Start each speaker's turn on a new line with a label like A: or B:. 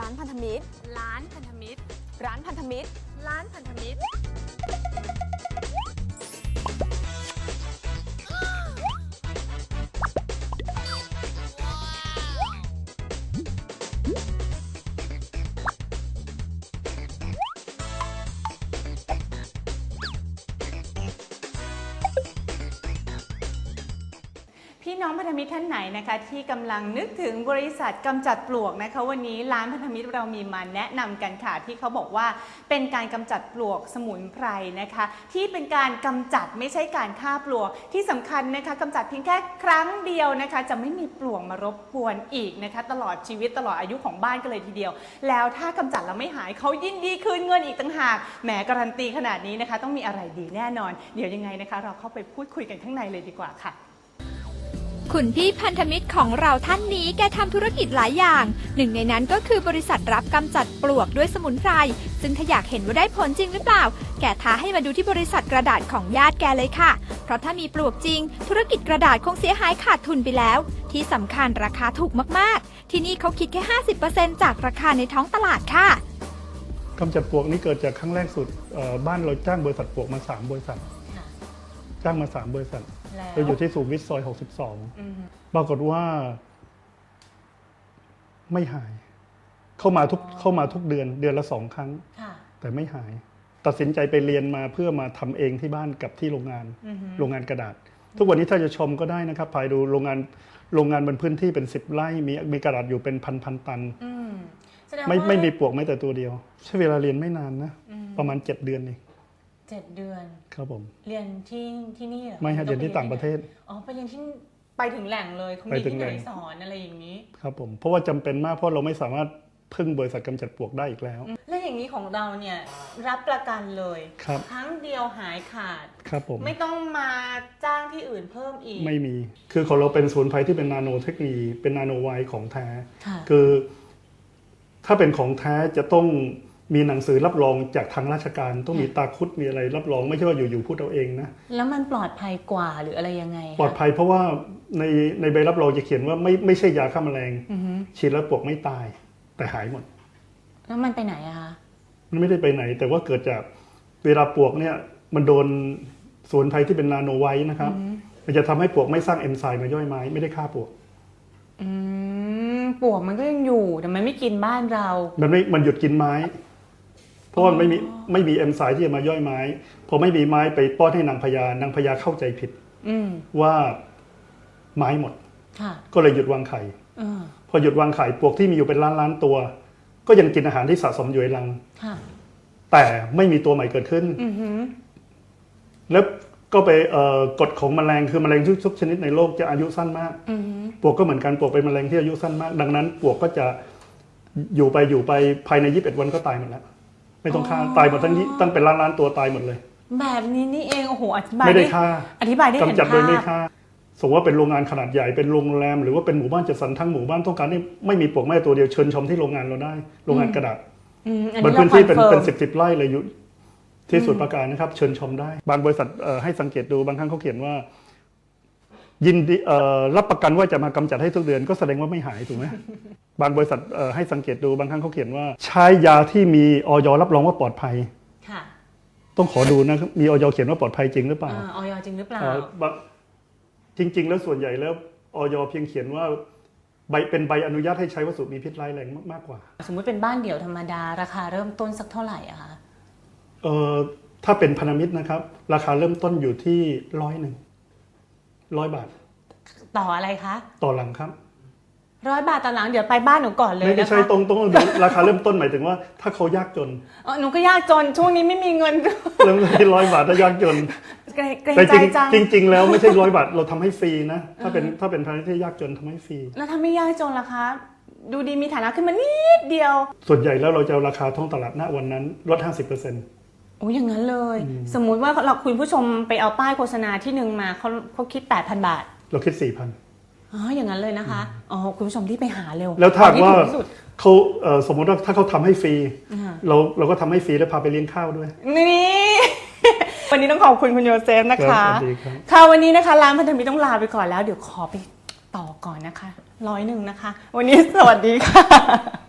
A: านพันธมิตร
B: ร้านพันธมิตร
A: ร้านพันธมิตร
B: ร้านพันธมิตร
C: พี่น้องพันธมิตรท่านไหนนะคะที่กำลังนึกถึงบริษัทกำจัดปลวกนะคะวันนี้ร้านพันธมิตรเรามีมาแนะนำกันค่ะที่เขาบอกว่าเป็นการกำจัดปลวกสมุนไพรนะคะที่เป็นการกำจัดไม่ใช่การฆ่าปลวกที่สำคัญนะคะกำจัดเพียงแค่ครั้งเดียวนะคะจะไม่มีปลวกมารบกวนอีกนะคะตลอดชีวิตตลอดอายุของบ้านกันเลยทีเดียวแล้วถ้ากำจัดแล้วไม่หายเขายินดีคืนเงินอีกต่างหากแหมการันตีขนาดนี้นะคะต้องมีอะไรดีแน่นอนเดี๋ยวยังไงนะคะเราเข้าไปพูดคุยกันข้างในเลยดีกว่าค่ะ
D: คุณพี่พันธมิตรของเราท่านนี้แกทำธุรกิจหลายอย่างหนึ่งในนั้นก็คือบริษัทรับกำจัดปลวกด้วยสมุนไพรซึ่งถ้าอยากเห็นว่าได้ผลจริงหรือเปล่าแกท้าให้มาดูที่บริษัทกระดาษของญาติแกเลยค่ะเพราะถ้ามีปลวกจริงธุรกิจกระดาษคงเสียหายขาดทุนไปแล้วที่สำคัญราคาถูกมากๆที่นี่เขาคิดแค่ 50% จากราคาในท้องตลาดค่ะ
E: กำจัดปลวกนี่เกิดจากครั้งแรกสุดบ้านเราจ้างบริษัทปลวกมา3บริษัทจ้างมา3บริษัทเราอยู่ที่สุขุมวิทซอย62ปรากฏว่าไม่หายเข้ามาทุกเดือนละ2 ครั้งแต่ไม่หายตัดสินใจไปเรียนมาเพื่อมาทำเองที่บ้านกับที่โรงงานกระดาษทุกวันนี้ถ้าจะชมก็ได้นะครับไปดูโรงงานบนพื้นที่เป็น10 ไร่มีกระดาษอยู่เป็นพันตันไม่มีปลวกแม้แต่ตัวเดียวใช้เวลาเรียนไม่นานนะประมาณ7 เดือนเอง
B: 7 เดือน
E: ครับผม
B: เรียนที่นี่เหรอ
E: ไม่ฮะเรียนที่ต่างประเทศ
B: อ๋อไปเรียนที่ไปถึงแหล่งเลยคงมีที่ไหนสอนอะไรอย่างนี้
E: ครับผมเพราะว่าจำเป็นมากเพราะเราไม่สามารถพึ่งบริษัทกำจัดปลวกได้อีกแล้ว
B: แล้วอย่างนี้ของเราเนี่ยรับประกันเลยครั้งเดียวหายขาด
E: ครับผม
B: ไม่ต้องมาจ้างที่อื่นเพิ่มอีก
E: ไม่มีคือของเราเป็นสมุนไพรที่เป็นนาโนเทคโนโลยีเป็นนาโนไวท์ของแท้คือถ้าเป็นของแท้จะต้องมีหนังสือรับรองจากทางราชการต้องมีตาคุดมีอะไรรับรองไม่ใช่ว่าอยู่ๆพูดเอาเองนะ
B: แล้วมันปลอดภัยกว่าหรืออะไรยังไง
E: ปลอดภัยเพราะว่าในใบรับรองจะเขียนว่าไม่ใช่ยาฆ่าแมลงฉีดแล้วปลวกไม่ตายแต่หายหมด
B: แล้วมันไปไหนอะคะ
E: มันไม่ได้ไปไหนแต่ว่าเกิดจากเวลาปลวกเนี่ยมันโดนสมุนไพรที่เป็นนาโนไวท์นะครับมันจะทำให้ปลวกไม่สร้างเอนไซม์มาย่อยไม้ไม่ได้ฆ่าปลวก
B: ปลวกมันก็ยังอยู่แต่มันไม่กินบ้านเรา
E: มันหยุดกินไม้เพราะว่าไม่มีเอนไซม์ที่จะมาย่อยไม้พอไม่มีไม้ไปป้อนให้นางพญาเข้าใจผิดว่าไม้หมดก็เลยหยุดวางไข่พอหยุดวางไข่ปลวกที่มีอยู่เป็นล้านตัวก็ยังกินอาหารที่สะสมอยู่ในรังแต่ไม่มีตัวใหม่เกิดขึ้นแล้วก็ไปกฎของแมลงคือแมลงทุกชนิดในโลกจะอายุสั้นมากปลวกก็เหมือนกันปลวกเป็นแมลงที่อายุสั้นมากดังนั้นปลวกก็จะอยู่ไปภายใน21 วันก็ตายหมดแล้วไม่ต้องฆ่าตายหมดตั้งเป็นล้านตัวตายหมดเลย
B: แบบนี้นี่เองโอ้โหอธิบาย
E: ไม่ได้ฆ่า
B: อธิบายได้เห็นภาพ
E: กำจัดโดยไม่ฆ่าสมมติว่าเป็นโรงงานขนาดใหญ่เป็นโรงแรมหรือว่าเป็นหมู่บ้านจัดสรรทั้งหมู่บ้านต้องการให้ไม่มีปลวกแม้ตัวเดียวเชิญชมที่โรงงานเราได้โรงงานกระดาษบนพื้นที่เป็น10 ไร่เลยอยู่ที่สุดประการนะครับเชิญชมได้บางบริษัทให้สังเกตดูบางครั้งเขาเขียนว่ายินดีรับประกันว่าจะมากำจัดให้ทุกเดือนก็แสดงว่าไม่หายถูกไหมบางบริษัทให้สังเกตดูบางครั้งเขาเขียนว่าใช้ยาที่มีอย.รับรองว่าปลอดภัยต้องขอดูนะมีอย.เขียนว่าปลอดภัยจริงหรือเปล่า
B: อย.จริงหรือเปล่า
E: จริงๆแล้วส่วนใหญ่แล้วอย.เพียงเขียนว่าเป็นใบอนุญาตให้ใช้วัสดุมีพิษร้ายแรงมากกว่า
B: สมมุติเป็นบ้านเดี่ยวธรรมดาราคาเริ่มต้นสักเท่าไหร่อะคะ
E: ถ้าเป็นพันธมิตรนะครับราคาเริ่มต้นอยู่ที่100 บาท
B: ต่ออะไรคะ
E: ต่อหลังครับ
B: 100 บาทต่อหลังเดี๋ยวไปบ้านหนูก่อนเลย
E: ไม่ใช่ตรงดูราคาเริ่มต้นหมายถึงว่าถ้าเขายากจน
B: หนูก็ยากจนช่วงนี้ไม่มีเงิน
E: เริ่มที่100 บาทถ้ายากจนแต่จริงแล้วไม่ใช่100 บาทเราทำให้ฟรีนะถ้าเป็นพันธมิตรที่ยากจนทำให้ฟรี
B: แล้วถ้าไม่ยากจนล่ะคะดูดีมีฐานะขึ้นมานิดเดียว
E: ส่วนใหญ่แล้วเราจะราคาท้องตลาดณวันนั้นลด 50%
B: โอ้อย่างนั้นเลยสมมุติว่าเราคุณผู้ชมไปเอาป้ายโฆษณาที่หนึ่งมาเขาคิด 8,000 บาท
E: เราคิด 4,000
B: อย่างนั้นเลยนะคะคุณผู้ชมที่ไปหาเร็ว
E: แล้วถ้าว่าเขาสมมติว่าถ้าเขาทำให้ฟรีเราก็ทำให้ฟรีแล้วพาไปเลี้ยงข้าวด้วย
B: นี่วันนี้ต้องขอบคุณโยเซฟนะคะค่ะวันนี้นะคะร้านพันธมิตรต้องลาไปก่อนแล้วเดี๋ยวขอไปต่อก่อนนะคะ100 นะคะวันนี้สวัสดีค่ะ